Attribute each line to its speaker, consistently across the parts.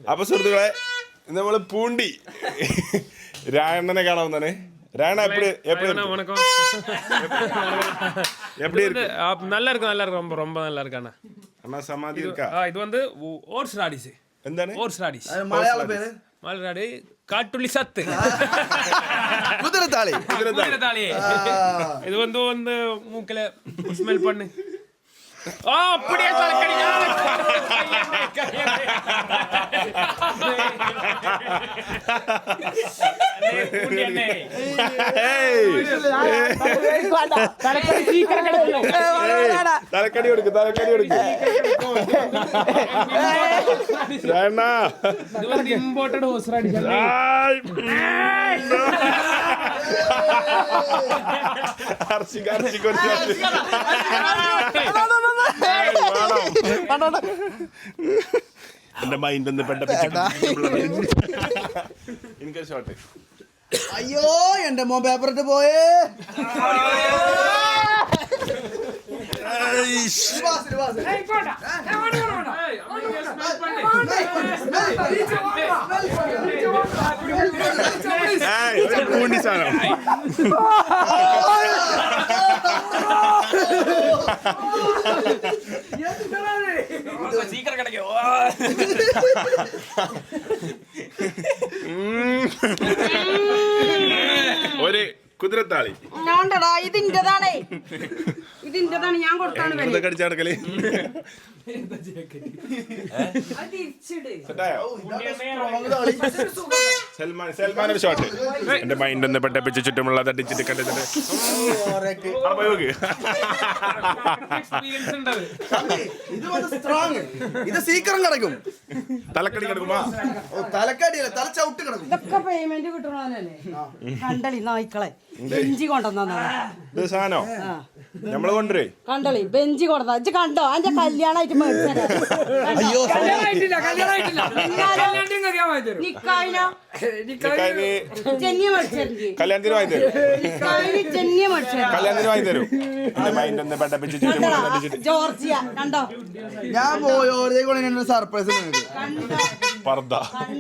Speaker 1: അപ്പൊ സുഹൃത്തുക്കളെ നമ്മള് പൂണ്ടി രായണ്ണനെ കാണാവുന്നതാണ്. ராயண்ணா எப்படி எப்படி
Speaker 2: வணக்கம்.
Speaker 1: எப்படி இருக்கு?
Speaker 2: நல்லா இருக்கு, நல்லா இருக்கு, ரொம்ப ரொம்ப நல்லா இருக்கு அண்ணா.
Speaker 1: அண்ணா சமாதி இருக்கா?
Speaker 2: இது வந்து ஓட்ஸ் ராடிஸ்.
Speaker 1: എന്താണ്?
Speaker 2: Horseradish.
Speaker 3: മലയാള പേര്
Speaker 2: മലയാളി കാട്ടുള്ളി സത്ത്.
Speaker 3: കുതിരത്താളി.
Speaker 2: കുതിരത്താളി. இது வந்து மூக்கல ஸ்மெல் பண்ணு. அப்படியே தலைக்கடி.
Speaker 1: തലക്കടി കൊടുക്ക്, തലക്കടി കൊടുക്ക്.
Speaker 2: Imported horseradish.
Speaker 1: എന്റെ മൈൻഡ് ഒന്ന് എനിക്കൊരു ഷോട്ട്.
Speaker 3: അയ്യോ എന്റെ മോൻ പേപ്പർ ഇട്ട് പോയേ.
Speaker 1: പൂണ്ടി സാധനം
Speaker 2: சீக்கிரம் கிடைக்கும்.
Speaker 1: ഒരു കുതിരത്താളി.
Speaker 4: ഇതിന്റെതാണ്, ഇതിന്റെതാണ്, ഞാൻ കൊടുത്താണ്
Speaker 1: കടിച്ചു നടക്കല്. സൽമാൻ ഒരു ഷോട്ട്. എന്റെ മൈൻഡ് ഒന്ന് പെട്ടപ്പിച്ച് ചുറ്റുമുള്ള തട്ടിച്ചിട്ട് കണ്ടിട്ട്
Speaker 3: ഇത് സീക്കിരം കിടക്കും.
Speaker 1: തലക്കടി കിടക്കുമ്പോ
Speaker 3: തലക്കടിയല്ല, തല ചവിട്ട് കിടക്കും.
Speaker 4: ഇതൊക്കെ പേയ്മെന്റ് കിട്ടണല്ലേ? കണ്ടളി നായ്ക്കളെ ബെഞ്ചി കൊണ്ടുവന്നാ
Speaker 1: ഇത് സാധനോ നമ്മള് കൊണ്ടുവരേ.
Speaker 4: കണ്ടളി ബെഞ്ചി കൊണ്ടുവന്ന ഇജ്ജ് കണ്ടോ? അതിന്റെ കല്യാണമായിട്ട്
Speaker 1: കല്യാണത്തിന് വാങ്ങി തരും. കല്യാണത്തിന് വാങ്ങി തരും. മൈൻഡ് ഒന്ന് പെട്ടപ്പിച്ച്
Speaker 4: ജോർജിയ കണ്ടോ?
Speaker 3: ഞാൻ പോയോടേക്ക് സർപ്രൈസ്
Speaker 1: പർദ്ദ.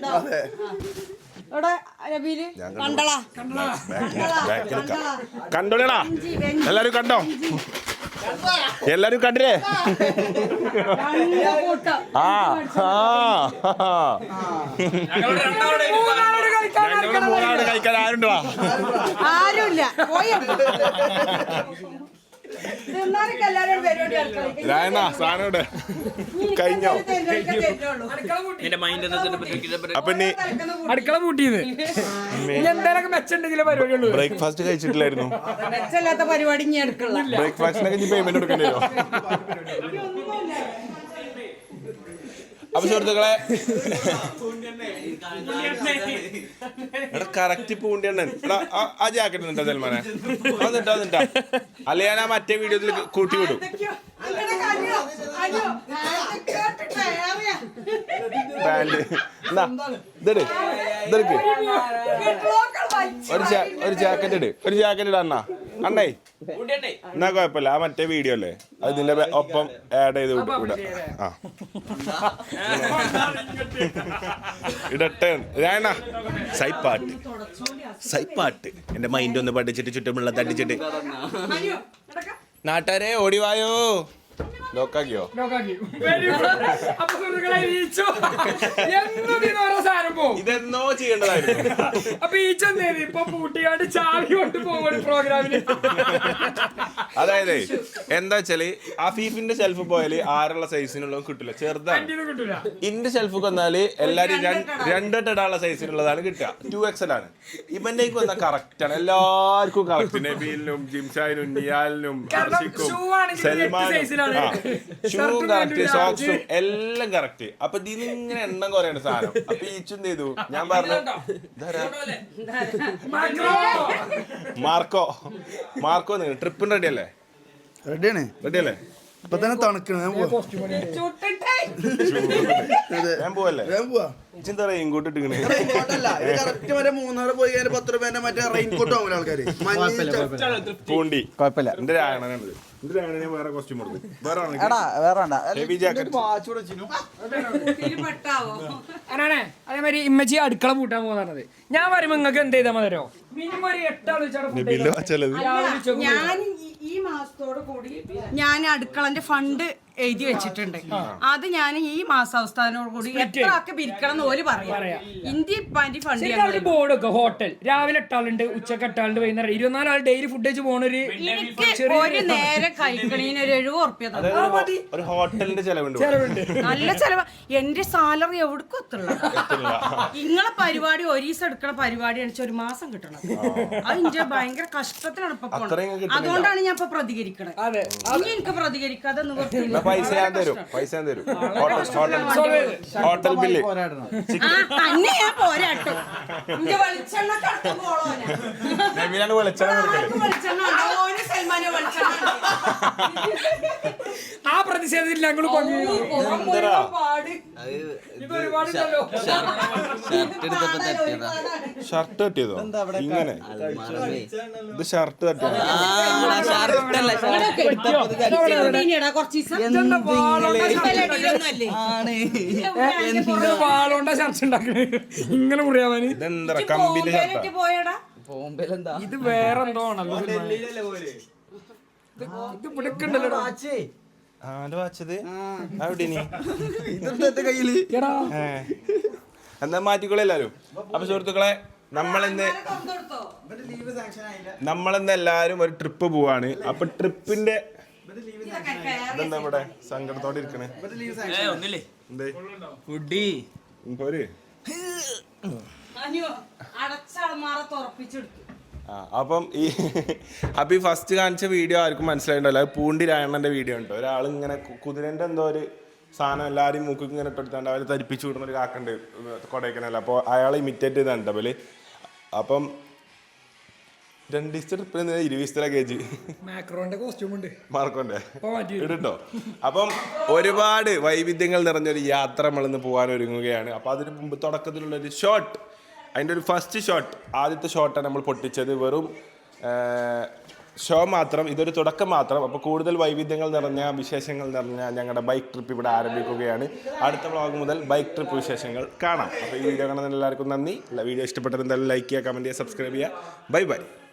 Speaker 1: കണ്ടോടാ എല്ലാരും കണ്ടോ? എല്ലാരും കണ്ടില്ലേ? ഞങ്ങളുടെ മൂന്നാട് കഴിക്കാൻ ആരുണ്ടോ?
Speaker 4: ആരുമില്ല.
Speaker 1: രായണ്ണ സാധനം കഴിഞ്ഞോ? അപ്പൊ ഇനി
Speaker 2: അടുക്കള പൂട്ടിയത് എന്തെങ്കിലും മെച്ചുണ്ടെങ്കിലേ പരിപാടിയുള്ളൂ.
Speaker 1: ബ്രേക്ക്ഫാസ്റ്റ് കഴിച്ചിട്ടില്ലായിരുന്നു.
Speaker 4: മെച്ചല്ലാത്ത പരിപാടി ഇനി എടുക്കുള്ള.
Speaker 1: ബ്രേക്ക്ഫാസ്റ്റിനൊക്കെ പേയ്മെന്റ് കൊടുക്കേണ്ടി വരും. അപ്പൊ സുഹൃത്തുക്കളെ എടാ കറക്റ്റ് പൂണ്ടിയണ്ണൻ. എടാ ആ ജാക്കറ്റ് നിട്ടാ സൽമാനെ, അന്നിട്ടാ അല്ല ഞാൻ ആ മറ്റേ വീഡിയോയിൽ കൂട്ടി വിടും. പാന്റ് ഇതെടുക്ക്, ഒരു ജാക്കറ്റ് ഇട്, ഒരു ജാക്കറ്റ് ഇടാ അണ്ണാ. അണ്ണേ എന്നാ കുഴപ്പമില്ല, ആ മറ്റേ വീഡിയോ അല്ലേ അത് ഇതിന്റെ ഒപ്പം ആഡ് ചെയ്ത് വിടാം. ആ ഇടട്ടെ രായണ്ണ. സൈപ്പാട്ട് എന്റെ മൈൻഡ് ഒന്ന് പഠിച്ചിട്ട് ചുറ്റുമുള്ള തട്ടിച്ചിട്ട് നാട്ടുകാരെ ഓടിവായോ. ലോക്കാക്കിയോ? ഇതെന്നോ ചെയ്യേണ്ടതായിരുന്നു. അതായത് എന്താ വെച്ചാല് അഫീഫിന്റെ ഷെൽഫ് പോയാല് ആരുള്ള സൈസിനുള്ള കിട്ടില്ല, ചെറുതാണ്. ഇന്റെ ഷെൽഫ് വന്നാല് എല്ലാരും രണ്ടിടാനുള്ള സൈസിനുള്ളതാണ് കിട്ടുക. 2XL ആണ്. ഇവന്റേക്ക് വന്നാൽ കറക്റ്റ് ആണ്, എല്ലാവർക്കും കറക്റ്റ്. നബീലിനും ജിംഷാനും നിയാലിനും അർഷിക്കും സൽമാനും ഷൂവും കറക്റ്റ്, സോക്സും എല്ലാം കറക്റ്റ്. അപ്പൊ ഇതിങ്ങനെ എണ്ണം കുറയാണ് സാധനം. അപ്പൊ ഈച്ചും എന്ത് ചെയ്തു, ഞാൻ പറഞ്ഞു മാർക്കോ ട്രിപ്പിന് റെഡി അല്ലേ? റെഡിയല്ലേ?
Speaker 3: ഇപ്പൊ തന്നെ തണുക്കണ
Speaker 1: ഞാൻ പോവല്ലേ? ഇച്ചെന്താ റെയിൻകോട്ട് ഇട്ടിക്കണേ?
Speaker 3: മൂന്നാറ് പോയി 10 രൂപേന്റെ മറ്റേ റെയിൻകോട്ട് വാങ്ങുന്ന ആൾക്കാര്.
Speaker 1: പൂണ്ടി കുഴപ്പമില്ല. എന്റെ രായണനാണിത്. വേറെ കോസ്റ്റ്യൂം കൊടുത്തു. വേറെ ഹെവി ജാക്കറ്റ്.
Speaker 2: അതേമാതിരി ഇമ്മച്ചി അടുക്കള പൂട്ടാൻ പോകുന്നത്. ഞാൻ വരുമ്പോ നിങ്ങൾക്ക് എന്ത് ചെയ്താൽ മതിയോ? മിനിമം ഒരു 8 ആൾ
Speaker 1: നബീലോ ചെലവ്
Speaker 4: ഞാൻ ഈ മാസത്തോട് കൂടി ഞാൻ അടുക്കളന്റെ ഫണ്ട് എഴുതി വെച്ചിട്ടുണ്ട്. അത് ഞാൻ ഈ മാസാവസ്ഥാനോട് കൂടി എത്ര ആൾക്ക് പിരിക്കണം എന്ന് ഓല് പറയാം. ഇന്ത്യ ഫണ്ട്
Speaker 2: ബോർഡ് വെക്കുക. ഹോട്ടൽ രാവിലെ 8 ആളുണ്ട്, ഉച്ചക്ക് 8 ആളുണ്ട്, വൈകുന്നേരം 24 ആൾ ഡെയിലി ഫുഡ് കഴിച്ച് പോണൊരു
Speaker 4: ഒരു നേരം കഴിക്കണീന് ഒരു 70 ഉറുപ്പ്യ
Speaker 1: ഒരു ഹോട്ടലിന്റെ ചെലവുണ്ട്.
Speaker 4: നല്ല ചെലവ്. എന്റെ സാലറി എവിടേക്കും എത്തുള്ള നിങ്ങളെ പരിപാടി ഒരീസം എടുക്കണ പരിപാടി അടിച്ച ഒരു മാസം കിട്ടണം. അത് ഇന്റെ ഭയങ്കര കഷ്ടത്തിലാണ് ഇപ്പൊ പോണത്. അതുകൊണ്ടാണ് ഞാൻ ഇപ്പൊ പ്രതികരിക്കണത്. ഇനി എനിക്ക് പ്രതികരിക്കാതെ നിവർത്തിയില്ല.
Speaker 1: പൈസ ഞാൻ തരും. ഹോട്ടൽ ബില്ല്
Speaker 4: തന്നെ ഞാൻ പോരാട്ടോ. ഇന്റെ വെളിച്ചെണ്ണ കടത്ത് പോളോന
Speaker 1: നബീലാണ് വെളിച്ചെണ്ണ
Speaker 4: വെളിച്ചെണ്ണ ഓന് സൽമാനെ വെളിച്ചെണ്ണ
Speaker 2: ആ പ്രതിഷേധത്തിൽ ഞങ്ങൾ
Speaker 1: ഷർട്ട് തട്ടിയതോ? ഇങ്ങനെ ഇത് ഷർട്ട് തട്ടിയതോ?
Speaker 2: വാളോണ്ട ചർച്ച ഉണ്ടാക്കണേ ഇങ്ങനെ മുറിയാവാന്.
Speaker 1: ഇതെന്താ കമ്പിന്റെ ഷർട്ടാ?
Speaker 2: ഇത് വേറെ എന്തോ ആണല്ലോ. ഇത് പിടിക്കണ്ടല്ലോ.
Speaker 1: ആരോ വാച്ചത് അവിടെ
Speaker 2: എടാ
Speaker 1: എന്താ മാറ്റിക്കോളെ എല്ലാരും. അപ്പൊ സുഹൃത്തുക്കളെ, നമ്മളിന്ന് എല്ലാരും ഒരു ട്രിപ്പ് പോവാണ്. അപ്പൊ ട്രിപ്പിന്റെ ഇതെന്താ ഇവിടെ സങ്കടത്തോടെ ഇരിക്കണേ? പോര്. അപ്പം ഈ ഫസ്റ്റ് കാണിച്ച വീഡിയോ ആർക്കും മനസ്സിലായിട്ടല്ലോ. അത് പൂണ്ടി രായണ്ണന്റെ വീഡിയോ ഉണ്ട്. ഒരാൾ ഇങ്ങനെ കുതിരന്റെ എന്തോ ഒരു സാധനം എല്ലാവരും മൂക്ക് ഇങ്ങനെ ഇട്ടെടുത്താണ്ട് അവരെ തരിപ്പിച്ചു വിടുന്ന ഒരു കാക്കുണ്ട് കൊടൈക്കനല്ല. അപ്പോൾ അയാളെ ഇമിറ്റേറ്റ് ചെയ്താണ് അവല്. അപ്പം 2 ദിവസത്തെ ട്രിപ്പിൽ 20 കേജ്
Speaker 2: മാക്രോന്റെ കോസ്റ്റ്യൂം ഉണ്ട്
Speaker 1: മാർക്കോന്റെ ഇട്ടോ. അപ്പം ഒരുപാട് വൈവിധ്യങ്ങൾ നിറഞ്ഞൊരു യാത്ര നമ്മളിന്ന് പോകാൻ ഒരുങ്ങുകയാണ്. അപ്പം അതിന് മുമ്പ് തുടക്കത്തിലുള്ളൊരു ഷോട്ട്, അതിൻ്റെ ഒരു ഫസ്റ്റ് ഷോട്ട്, ആദ്യത്തെ ഷോട്ടാണ് നമ്മൾ പൊട്ടിച്ചത്. വെറും ഷോ മാത്രം, ഇതൊരു തുടക്കം മാത്രം. അപ്പോൾ കൂടുതൽ വൈവിധ്യങ്ങൾ നിറഞ്ഞ വിശേഷങ്ങൾ നിറഞ്ഞ ഞങ്ങളുടെ ബൈക്ക് ട്രിപ്പ് ഇവിടെ ആരംഭിക്കുകയാണ്. അടുത്ത വ്ളോഗ് മുതൽ ബൈക്ക് ട്രിപ്പ് വിശേഷങ്ങൾ കാണാം. അപ്പോൾ ഈ വീഡിയോ കാണുന്ന എല്ലാവർക്കും നന്ദി. വീഡിയോ ഇഷ്ടപ്പെട്ടത് എന്തായാലും ലൈക്ക് ചെയ്യുക, കമൻറ്റ് ചെയ്യുക, സബ്സ്ക്രൈബ് ചെയ്യുക. Bye by.